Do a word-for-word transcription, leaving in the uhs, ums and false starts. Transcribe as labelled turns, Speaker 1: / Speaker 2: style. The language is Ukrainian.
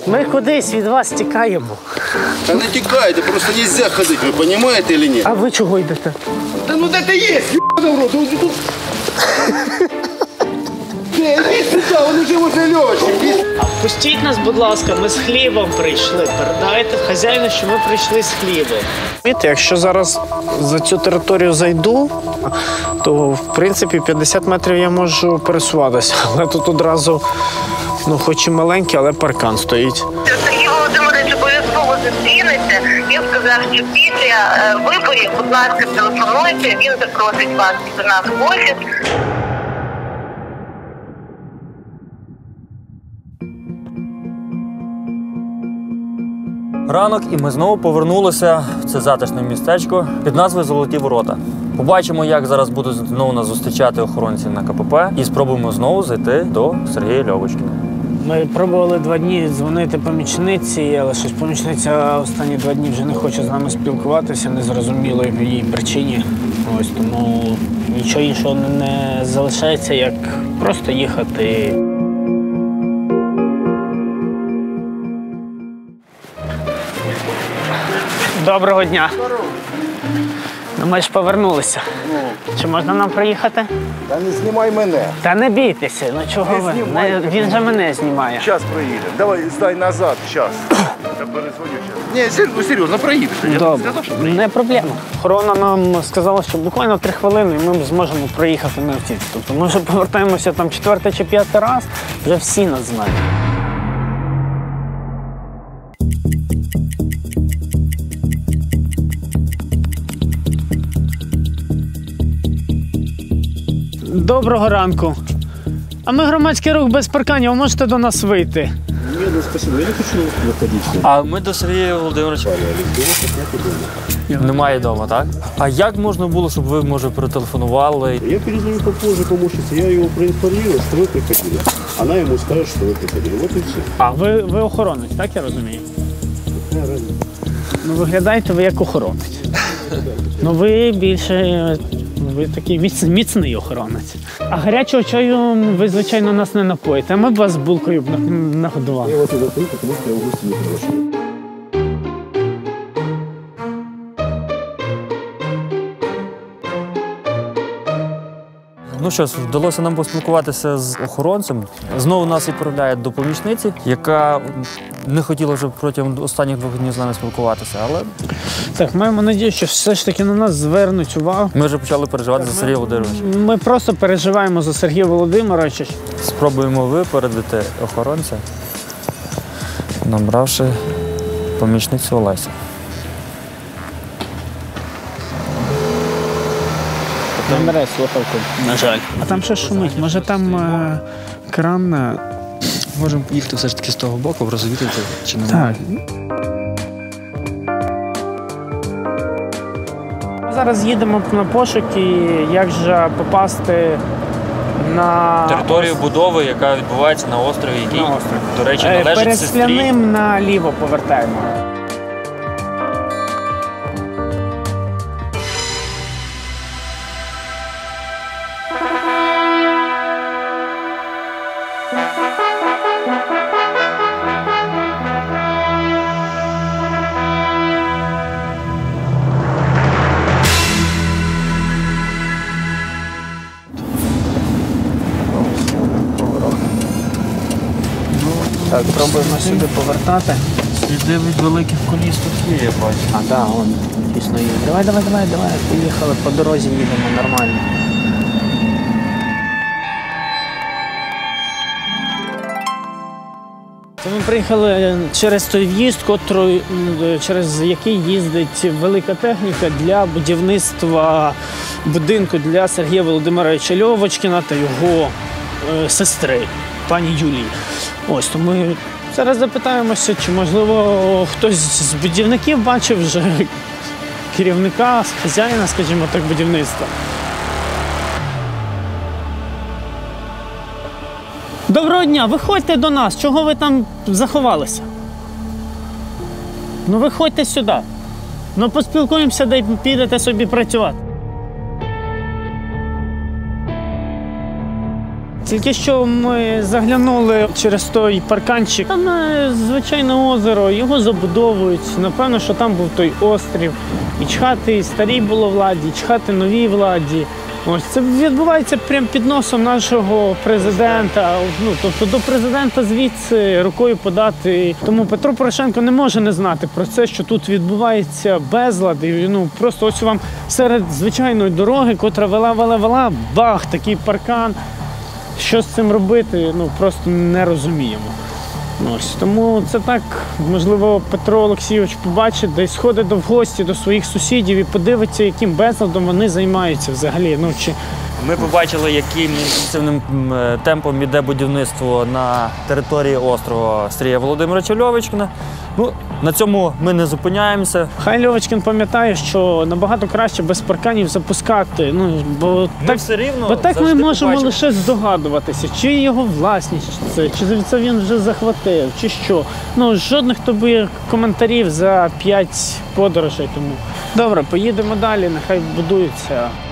Speaker 1: Ми кудись від вас тікаємо.
Speaker 2: Та не тікайте, просто не можна ходити, ви розумієте чи ні?
Speaker 1: А ви чого йдете?
Speaker 2: Та ну де ти є, ***й в рот, тут... Де, йди сюди, він уже возле Льоші.
Speaker 1: Пустіть нас, будь ласка, ми з хлібом прийшли. Передайте хазяїну, що ми прийшли з хлібом. Якщо зараз за цю територію зайду, то, в принципі, п'ятдесят метрів я можу пересуватися. Але тут одразу, ну, хоч і маленький, але паркан стоїть.
Speaker 3: Сергій Володимирович обов'язково зустрінеться. Він сказав, що після виборів, будь ласка, телефонуйте, він запросить вас до нас в офіс.
Speaker 4: Ранок, і ми знову повернулися в це затишне містечко під назвою Золоті Ворота. Побачимо, як зараз будуть знову нас зустрічати охоронці на ка пе пе, і спробуємо знову зайти до Сергія Льовочкіна.
Speaker 1: Ми пробували два дні дзвонити помічниці, але щось помічниця останні два дні вже не хоче з нами спілкуватися, незрозуміло в її причині. Ось тому нічого іншого не залишається, як просто їхати. Доброго дня. Ну, ми ж повернулися.
Speaker 2: Ну.
Speaker 1: Чи можна нам проїхати?
Speaker 2: Та не знімай мене.
Speaker 1: Та не бійтеся, ну чого
Speaker 2: Не
Speaker 1: ви?
Speaker 2: знімай.
Speaker 1: Не, він же мене знімає.
Speaker 2: Зараз проїдемо. Давай, здай назад, зараз. Я перезвоню зараз. Ні, ну серйозно, проїдеш. Я
Speaker 1: Добре,
Speaker 2: сказав, що
Speaker 1: не проблема. Охорона нам сказала, що буквально три хвилини і ми зможемо проїхати на автівці. Тобто ми вже повертаємося там четвертий чи п'ятий раз, вже всі нас знають. Доброго ранку. А ми громадський рух без парканів, можете до нас вийти?
Speaker 5: Ні, ну спасибо, я не хочу виходити.
Speaker 4: А ми до Сергія Володимировича. Немає вдома, так? А як можна було, щоб ви, може, перетелефонували?
Speaker 5: Я перезвоню попозже помощнице, я его проинформировал, что вы приходили. Она ему скажет, что вы приходили. Вот и все.
Speaker 1: А ви, ви охоронець, так я розумію?
Speaker 5: Какая разница?
Speaker 1: Ну, виглядаєте ви як охоронець. Ну, ви більше, ви такий міц, міцний охоронець. А гарячого чаю ви, звичайно, нас не напоїте. Ми б вас булкою б нагодували.
Speaker 5: Я вас не запою, потому что я в гости не приглашаю.
Speaker 4: Ну що ж, вдалося нам поспілкуватися з охоронцем. Знову нас відправляють до помічниці, яка не хотіла вже протягом останніх двох днів з нами спілкуватися, але...
Speaker 1: Так, маємо надію, що все ж таки на нас звернуть увагу.
Speaker 4: Ми вже почали переживати за Сергія Володимировича.
Speaker 1: Ми просто переживаємо за Сергія Володимировича.
Speaker 4: Спробуємо випередити охоронця, набравши помічницю Олесю.
Speaker 1: Не бере слухавку, на жаль. А там що шумить? Може там е, кран? Е...
Speaker 4: Можемо їхати все ж таки з того боку, розвідати, чи не
Speaker 1: Так. Ми зараз їдемо на пошуки, як же попасти на
Speaker 4: територію будови, яка відбувається на острові, який,
Speaker 1: на острові.
Speaker 4: до речі,
Speaker 1: Е,
Speaker 4: належить
Speaker 1: перед
Speaker 4: сестрі.
Speaker 1: Скляним наліво повертаємо. Так, пробуємо сюди повертати.
Speaker 4: Сліди від великих коліс тут є, я бачу.
Speaker 1: А, так, да, вон, дійсно є. Давай, давай, давай, давай, поїхали, по дорозі їдемо нормально. Це ми приїхали через той в'їзд, котрий, через який їздить велика техніка для будівництва будинку для Сергія Володимировича Льовочкіна та його е, сестри, пані Юлії. Ось, то ми зараз запитаємося, чи, можливо, хтось з будівників бачив вже керівника, хазяїна, скажімо так, будівництва. Доброго дня, виходьте до нас, чого ви там заховалися? Ну виходьте сюди. Ну поспілкуємося, де підете собі працювати. Тільки що ми заглянули через той парканчик. Там е, звичайне озеро, його забудовують. Напевно, що там був той острів. І чхати старій було владі, і чхати новій владі. Ось це відбувається прямо під носом нашого президента. Ну, тобто до президента звідси рукою подати. Тому Петро Порошенко не може не знати про це, що тут відбувається безлад. І, ну, просто ось вам серед звичайної дороги, котра вела-вела-вела, бах, такий паркан. Що з цим робити, ну, просто не розуміємо. Ось, тому це так, можливо, Петро Олексійович побачить, десь сходить до в гості до своїх сусідів і подивиться, яким безладом вони займаються взагалі. Ну, чи...
Speaker 4: Ми побачили, яким інтенсивним м, темпом іде будівництво на території острова Сергія Володимировича Льовочкіна. Ну, на цьому ми не зупиняємося.
Speaker 1: Хай Льовочкін пам'ятає, що набагато краще без парканів запускати. Ну, бо
Speaker 4: Ми
Speaker 1: так,
Speaker 4: все рівно
Speaker 1: бо так ми
Speaker 4: завжди
Speaker 1: можемо
Speaker 4: побачимо.
Speaker 1: лише здогадуватися, чи його власність це, чи це він вже захватив, чи що. Ну, жодних тобі коментарів за п'ять подорожей тому. Добре, поїдемо далі, нехай будується.